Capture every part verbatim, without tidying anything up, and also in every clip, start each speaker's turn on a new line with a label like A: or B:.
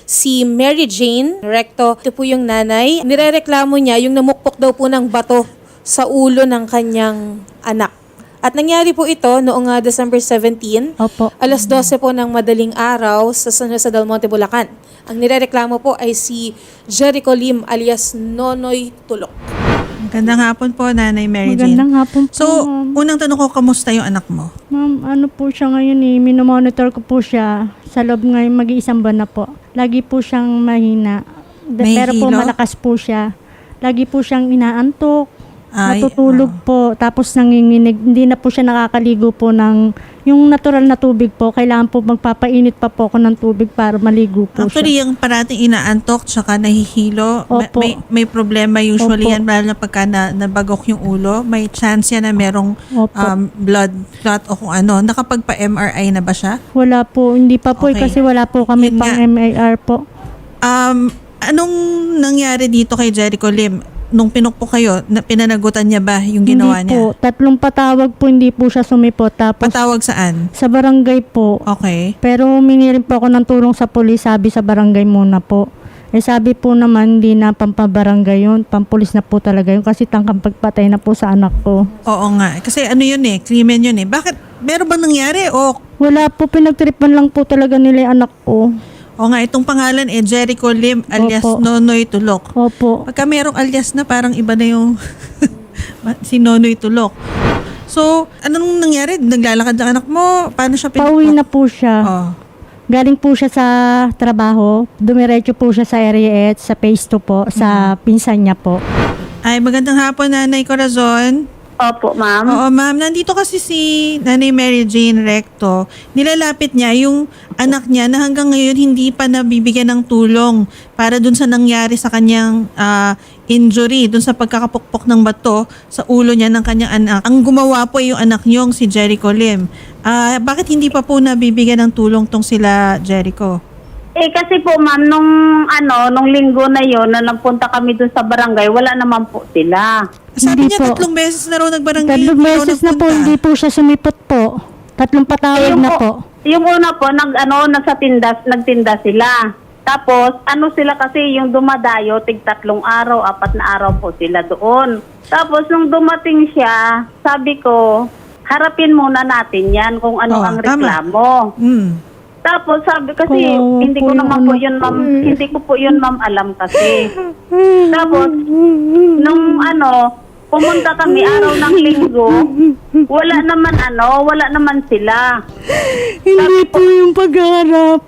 A: si Mary Jane Recto. Ito po yung nanay. Nirereklamo niya yung namukpok daw po ng bato sa ulo ng kanyang anak. At nangyari po ito noong uh, December seventeenth,
B: Opo.
A: alas dose po ng madaling araw sa San Jose del Monte, Bulacan. Ang nirereklamo po ay si Jericho Lim alias Nonoy Tulok.
C: Magandang hapon po, Nanay Mary Jane.
B: Magandang hapon po,
C: So,
B: ma'am.
C: unang tanong ko, kamusta yung anak mo?
B: Ma'am, ano po siya ngayon eh, minomonitor ko po siya sa loob ngayon mag-iisang buwan na po. Lagi po siyang mahina. Da-
C: May
B: Pero po
C: hilo?
B: malakas po siya. Lagi po siyang inaantok,
C: Ay,
B: natutulog
C: ah.
B: po, tapos nanginginig. Hindi na po siya nakakaligo po ng, yung natural na tubig po. Kailangan po magpapainit pa po ako ng tubig para maligo po
C: Actually,
B: siya.
C: yung parating inaantok tsaka nahihilo, ma-
B: Opo.
C: may, may problema usually
B: Opo.
C: yan, lalo na pagka na, nabagok yung ulo. May chance yan na merong
B: Opo.
C: um, blood clot o kung ano. Nakapagpa-M R I na ba siya?
B: Wala po, hindi pa po eh,
C: Okay.
B: kasi wala po kami
C: Yun
B: pang
C: nga.
B: M A R po.
C: Um, anong nangyari dito kay Jericho Lim? Nung pinukpo kayo, na, pinanagutan niya ba yung ginawa
B: Hindi
C: niya?
B: po, tatlong patawag po hindi po siya sumipot. Tapos
C: Patawag saan?
B: sa barangay po.
C: Okay.
B: Pero humingi rin po ako ng tulong sa pulis, sabi sa barangay muna po. Eh sabi po naman, hindi na pampabarangay yun, pampulis na po talaga yun kasi tangkang pagpatay na po sa anak ko.
C: Oo nga. Kasi ano yun eh, krimen yun eh. Bakit? Meron bang nangyari? O,
B: Wala po, pinagtripan lang po talaga nila yung anak ko.
C: o nga, itong pangalan eh, Jericho Lim alias
B: Opo.
C: Nonoy Tulok.
B: Opo.
C: Pagka merong alias na, parang iba na yung si Nonoy Tulok. So, anong nangyari? Naglalakad ang anak mo? Paano siya pinukpo?
B: Pauwi na po siya.
C: Oh.
B: Galing po siya sa trabaho, dumiretso po siya sa area eight, sa phase two po, sa pinsan niya po.
C: Ay, magandang hapon, Nanay Corazon.
D: Opo, ma'am.
C: Oo, ma'am. Nandito kasi si Nanay Mary Jane Recto. Nilalapit niya yung anak niya na hanggang ngayon hindi pa nabibigyan ng tulong para dun sa nangyari sa kanyang ah, injury, dun sa pagkakapukpok ng bato sa ulo niya ng kanyang anak. Ang gumawa po yung anak niyong si Jericho Lim. Ah, bakit hindi pa po nabibigyan ng tulong tong sila Jericho?
D: Eh kasi po ma'am, nung ano, nung linggo na yon na nagpunta kami dun sa barangay, wala naman po sila.
C: Sabi
B: Hindi
C: niya
B: po.
C: tatlong beses na raw nagbarangay.
B: Tatlong
C: hindi raw
B: beses na po,
C: nagpunta.
B: hindi po siya sumipot po. Tatlong patawag
D: yung,
B: na po.
D: Yung una po, nag, ano, nagsatinda, nagtinda sila. Tapos, ano sila kasi, yung dumadayo, tig tatlong araw, apat na araw po sila doon. Tapos, nung dumating siya, sabi ko, harapin muna natin yan kung ano
C: Oo,
D: ang
C: tama.
D: reklamo.
C: Mm.
D: Tapos sabi kasi,
B: Kawawa
D: hindi
B: po
D: ko
B: yung
D: naman po
B: anak
D: yun ma'am,
B: ko eh.
D: hindi ko po yun ma'am alam kasi. Tapos, nung ano, pumunta kami araw ng linggo, wala naman ano, wala naman sila.
B: Hindi po yung pagharap.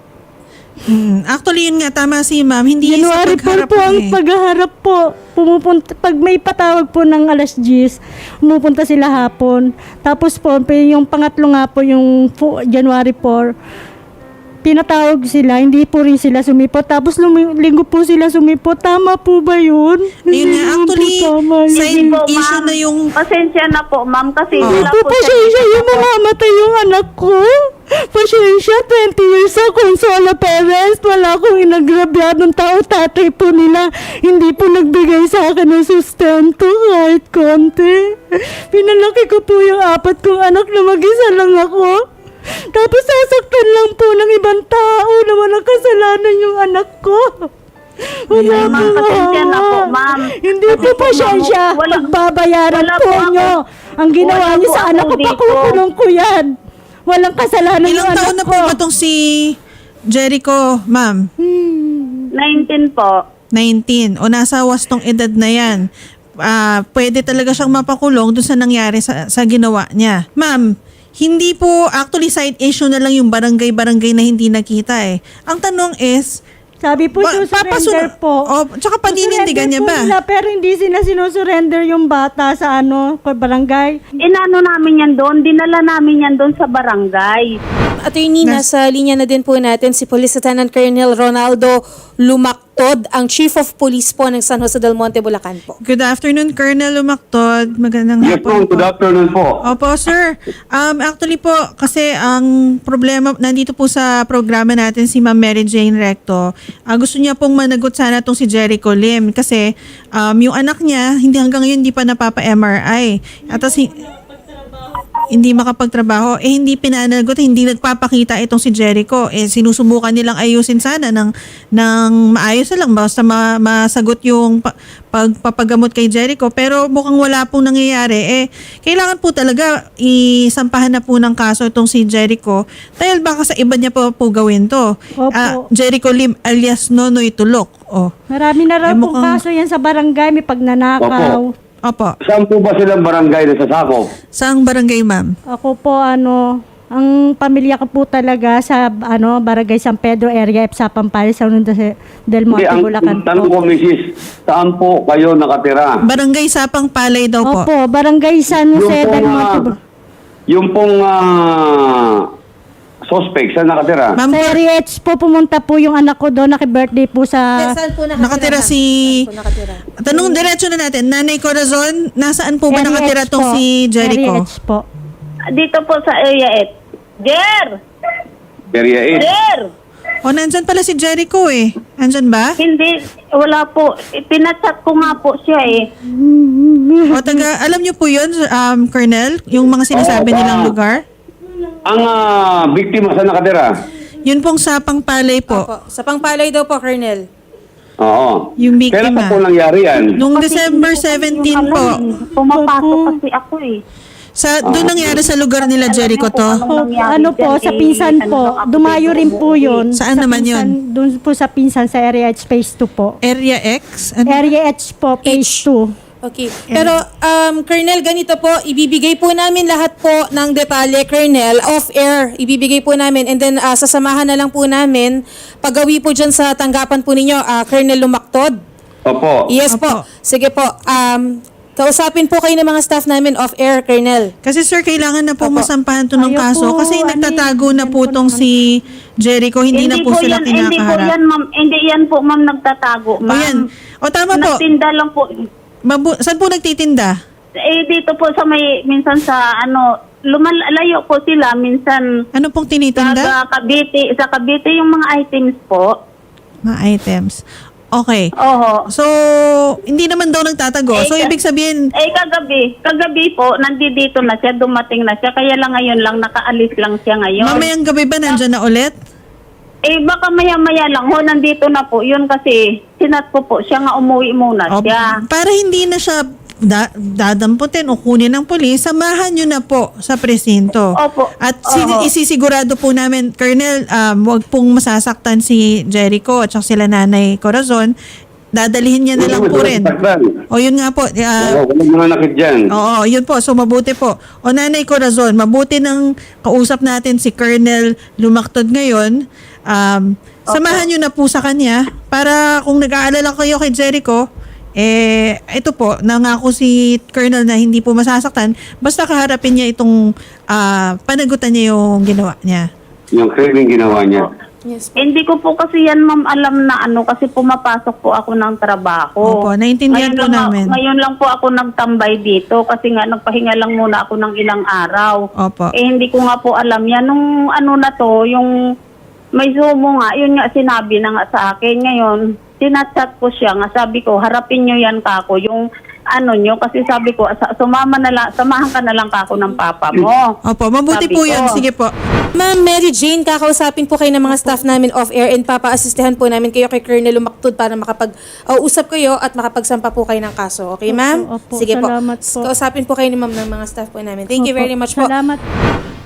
C: Mm. Actually, yun nga, tama si ma'am. Hindi
B: January
C: sa
B: po
C: pagharap
B: po ang
C: eh.
B: paghaharap po. Pumupunta, pag may patawag po ng alas diyes, pumupunta sila hapon. Tapos po, yung pangatlo nga po, yung po, January four, pinatawag sila, hindi po rin sila sumipot. Tapos lumi- linggo po sila sumipot. Tama po ba yun?
C: Yun nga,
B: naman po
C: actually,
B: tama yun.
C: side
D: Hindi po
C: issue
D: ma'am,
C: na yung...
D: pasensya na po ma'am kasi
C: Oo.
D: wala
B: Po,
D: po
B: pasensya yung mamamatay yung anak ko. Pasensya, twenty years ako solo parents. Wala akong inagrabyadong tao. Tatay po nila, hindi po nagbigay sa akin ng sustento kahit konti. Pinalaki ko po yung apat kong anak na mag-isa lang ako. Tapos sasaktan lang po ng ibang tao na walang kasalanan yung anak ko. Wala
C: Ayun,
D: ma'am,
B: po,
D: pasensya na po,
B: mama.
D: ma'am.
B: Hindi po
D: Kasi po,
B: pasensya.
D: ma'am, wala-
B: Pagbabayaran
D: wala
B: po
D: po ako-
B: nyo. Ang ginawa
D: wala
B: niyo
D: po
B: sa
D: ako
B: anak ko,
D: dito.
B: pakukulong ko yan. Walang kasalanan yung
C: Ilang
B: anak
C: taon na
B: ko.
C: po ba itong si Jericho, ma'am?
B: Hmm.
D: nineteen po.
C: nineteen. O nasa wastong edad na yan. Ah, pwede talaga siyang mapakulong dun sa nangyari sa, sa ginawa niya. Ma'am, hindi po actually side issue na lang yung barangay-barangay na hindi nakita eh. Ang tanong is,
B: Sabi po,
C: Ba-
B: susurrender
C: papasun-
B: po.
C: O, tsaka paninindigan niya
B: Susurrender po
C: ba?
B: nila, pero hindi sila sinusurrender yung bata sa ano, kay barangay.
D: Inano namin yan doon, dinala namin yan doon sa barangay.
A: Attorney, nasa linya na din po natin si Police Lieutenant Colonel Ronaldo Lumactod, ang Chief of Police po ng San Jose del Monte, Bulacan po.
C: Good afternoon, Colonel Lumactod. Magandang
E: Yes po,
C: hapon
E: good afternoon po.
C: Opo, sir. Um, actually po, kasi ang problema, nandito po sa programa natin si Ma'am Mary Jane Recto, ah, gusto niya pong managot sana itong si Jericho Lim kasi um, yung anak niya, hindi hanggang ngayon hindi pa napapa-M R I. At tas, hi- hindi makapagtrabaho, eh hindi pinanagot, hindi nagpapakita itong si Jericho. Eh sinusubukan nilang ayusin sana ng, ng maayos na lang, basta ma, masagot yung pa, pagpapagamot kay Jericho. Pero mukhang wala pong nangyayari. Eh, kailangan po talaga isampahan na po ng kaso itong si Jericho dahil baka sa iba niya po, po gawin to.
B: Opo.
C: Ah, Jericho Lim alias Nonoy Tulok. Oh.
B: Marami na raw
C: Eh,
B: pong
C: mukhang-
B: kaso yan sa barangay, may pagnanakaw.
C: Opo.
E: Saan po ba silang barangay na sasakop?
C: Saang barangay, ma'am?
B: Ako po ano, ang pamilya ko po talaga sa ano Barangay San Pedro area F sa Pampales, San Jose del
E: Hindi,
B: Monte,
E: ang
B: Bulacan
E: tanong ko,
B: po.
E: misis, saan po kayo nakatira?
C: Barangay Sapang Palay daw po.
B: Opo, Barangay San Jose
E: Yung
B: del
E: pong,
B: Monte.
E: ah,
B: Bulacan.
E: yung pong ah, suspect, saan nakatira?
C: Ma'am,
B: Sa area H po pumunta po yung anak ko doon, naki-birthday po sa
A: Saan po nakatira?
C: nakatira
A: ma'am?
C: si...
A: Saan po nakatira?
C: Tanong diretso na natin, Nanay Corazon, nasaan po ba
B: area
C: nakatira
B: H
C: tong
B: po.
C: si Jericho?
B: Area H po.
D: Dito po sa area eight. Jer!
E: Area eight.
D: Jer!
C: O, nandyan pala si Jericho eh. Nandyan ba?
D: Hindi, wala po. Pinachat ko nga po siya eh.
C: O, taga, alam niyo po yun, um, Colonel, yung mga sinasabi
E: Oo,
C: nilang
E: ba?
C: lugar?
E: Ang ah, biktima, saan nakatira?
C: Yun pong Sapang Palay po.
A: Opo. Sa Pangpalay daw po, Colonel.
E: Oo.
C: Yung biktima.
E: Kailan pa po nangyari yan?
C: Nung
D: Kasi
C: December
D: hindi ko
C: seventeen
D: alam
C: po.
D: eh. Pumapasok kasi ako eh.
C: Sa, doon nangyari sa lugar nila Jericho to.
B: Po,
D: nangyari
B: ano po,
D: dyan,
B: sa
D: eh,
B: pinsan
D: ano
B: po,
D: lang ako
B: dumayo
D: dito
B: rin po
D: umuwi.
B: yun.
C: Saan
B: Sa
C: naman
B: pinsan,
C: yun?
B: Doon po sa pinsan sa area H phase two po.
C: Area X? Ano?
B: Area H po, phase two.
A: Okay. Pero, um, Colonel, ganito po, ibibigay po namin lahat po ng detalye, Colonel, off-air. Ibibigay po namin. And then, ah, sasamahan na lang po namin paggawi po dyan sa tanggapan po ninyo, ah, Colonel Lumaktod.
E: Opo.
A: Yes
C: Opo.
A: po. Sige po. Um, kausapin po kayo ng mga staff namin off-air, Colonel.
C: Kasi sir, kailangan na po
A: Opo.
C: masampahan to ng
B: Ayaw
C: kaso
B: po,
C: kasi
B: ano
C: nagtatago
B: yun,
C: na po
B: yan po
C: tong
B: naman.
C: si Jericho, hindi, na po sila
D: yan, Hindi po
C: kinakaharap.
D: yan, ma'am. Hindi yan po, ma'am, nagtatago,
C: O
D: ma'am.
C: yan. O tama po.
D: Nagtinda lang po.
C: Mabu- saan po nagtitinda?
D: Eh, dito po sa may, minsan sa, ano, lumalayo po sila, minsan
C: Ano pong
D: sa
C: tinitinda?
D: Cavite, sa Cavite yung mga items po.
C: Mga items. Okay.
D: Oho.
C: So, hindi naman daw nagtatago.
D: Eh,
C: So,
D: ka-
C: ibig sabihin,
D: Eh, kagabi, kagabi po, nandito na siya, dumating na siya, kaya lang ngayon lang, nakaalis lang siya ngayon.
C: mamayang gabi ba nandyan na ulit?
D: Eh, baka maya-maya lang, ho, nandito na po, yun kasi, sinat ko po, siya nga umuwi muna
C: O,
D: siya.
C: para hindi na siya da- dadamputin o kunin ng pulis, samahan nyo na po sa presinto.
D: Opo.
C: At si-
D: Oho.
C: isisigurado po namin, Colonel, um, wag pong masasaktan si Jericho at saka sila Nanay Corazon. Dadalihin niya na lang po rin. O yun nga po. ah,
E: Oo, walang mga nakit dyan.
C: Oo, yun po. So, mabuti po. O Nanay Corazon, mabuti nang kausap natin si Colonel Lumaktod ngayon. Um, samahan nyo na po sa kanya para kung nag-aalala kayo kay Jericho, eh, ito po, nangako si Colonel na hindi po masasaktan. Basta kaharapin niya itong ah, panagutan niya yung ginawa niya.
E: Yung craving ginawa niya.
A: Yes.
D: Hindi ko po kasi yan, ma'am, alam na ano, kasi pumapasok po ako ng trabaho.
C: Opo, naiintindihan
D: Ngayon
C: po
D: lang,
C: namin.
D: Ngayon lang po ako nagtambay dito kasi nga nagpahinga lang muna ako ng ilang araw.
C: Opo.
D: Eh, hindi ko nga po alam yan. Nung ano na to, yung may sumo nga, yun nga sinabi na nga sa akin. Ngayon, sinachat ko siya nga, sabi ko, harapin nyo yan kako, yung ano nyo, kasi sabi ko, sa- sumama na lang, samahan ka na lang kako ng papa mo.
C: Opo, mabuti
D: Sabi
C: po
D: ko.
C: yun. Sige po.
A: Ma'am Mary Jane, kakausapin po kayo ng mga staff namin off-air and papa-assistehan po namin kayo kay Colonel Lumaktod para makapag-usap kayo at makapagsampa po kayo ng kaso. Okay, ma'am?
B: Opo, opo.
A: Sige po.
B: Salamat po.
A: Kausapin po kayo ni ma'am ng mga staff po namin. Thank you
B: Opo,
A: very much po.
B: Salamat.